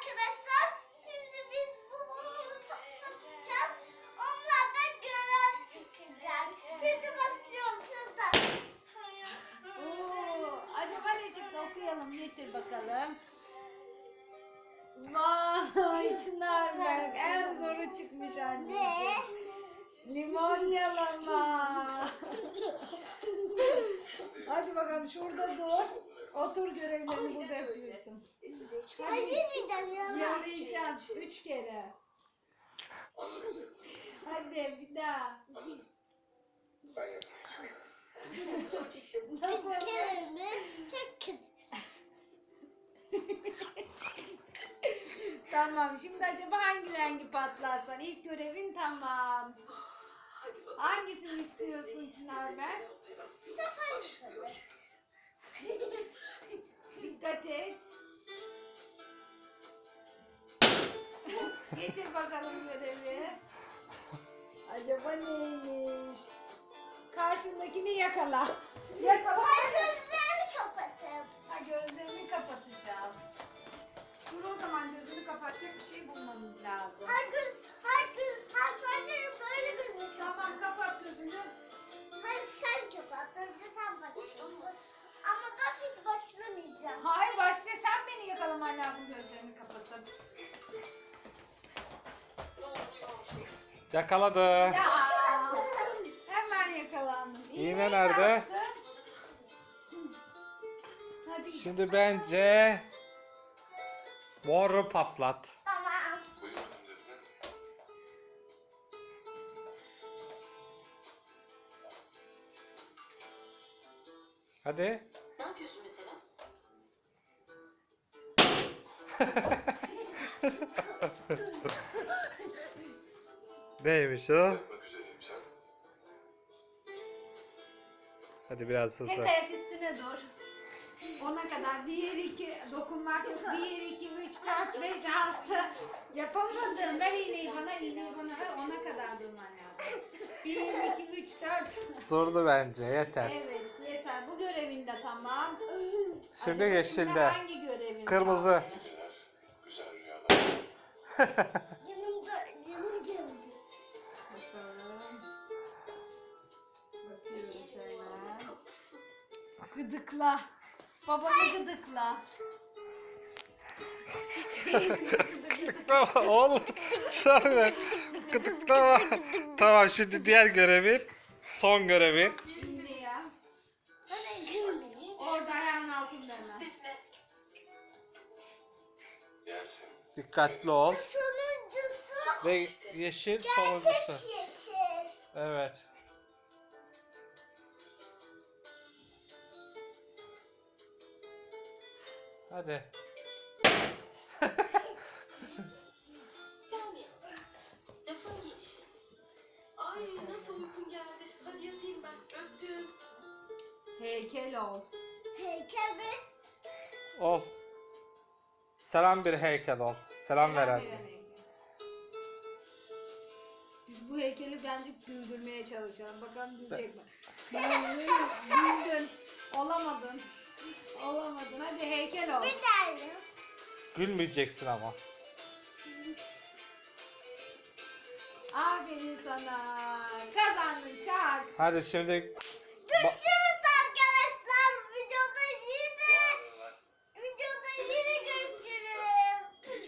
arkadaşlar. Şimdi biz bu balonu patlatacağız. Onlardan görev çıkacak. Şimdi başlıyorum şuradan. Oo, acaba ne çıktı okuyalım getir bakalım. Vay Çınar Berk en zoru çıkmış anneciğim. Limon yalama. Hadi bakalım şurada dur. Otur görevlerini burada yapıyorsun. Acımayacağım ya. Yalayacaksın 3 kere. Hadi bir daha. Nasıl? Kelime çok kötü. Tamam şimdi acaba hangi rengi patlarsan ilk görevin tamam. Hangisini istiyorsun Çınar Berk? Bu sefer mi? Dikkat et. Getir bakalım görevi. Acaba neymiş? Karşındakini yakala. Yakala. Gözlerimi kapatın. Ha, gözlerini kapatacağız. Dur o zaman gözünü kapatacak bir şey bulmamız lazım. Her sancım böyle gözüküyor. Tamam kapat gözünü. Hayır sen kapat. Önce sen başlıyorsun. Ama ben hiç başlamayacağım. Hayır başla sen beni yakalaman lazım gözlerini kapatıp. Yakaladı. Ya hemen yakalandım. İğne nerede? Hadi. Şimdi bence moru patlat. Tamam. Hadi. Ne yapıyorsun mesela? Neymiş o? Hadi biraz Tek hızlı. ayak üstüne dur. Ona kadar 1, 2 dokunmak yok. 1, 2, 3, 4, 5, 6. Yapamadım. Ver iğneyi bana ver. Ona kadar durman lazım. 1, 2, 3, 4. Durdu bence yeter. Evet yeter. Bu görevin de tamam. Şimdi Acaba yeşilde. hangi görevin Kırmızı. var? Yanım geldi. Bakalım. Bakıyoruz hemen. Gıdıkla. Babanı gıdıkla. Gıdıklama oğlum. Sonra gıdıklama. Tamam şimdi diğer görevin. Son görevin. İğne ya. Ben gülmeyeyim. Orada ayağın altında hemen. Dikkatli ol. Sonuncusu Ve yeşil sonuncusu. yeşil. Evet. Hadi. Yani lafın gelişi. Ay nasıl uykum geldi. Hadi yatayım ben. Öptüm. Heykel ol. Heykel mi? Ol. Selam bir heykel ol. Selam veren. veren heykel. Biz bu heykeli bence güldürmeye çalışalım. Bakalım gülecek mi? Güldün. Olamadın. Olamadın. Hadi heykel ol. Bir tane. Gülmeyeceksin ama. Aferin sana. Kazandın çak. Hadi şimdi Görüşürüz.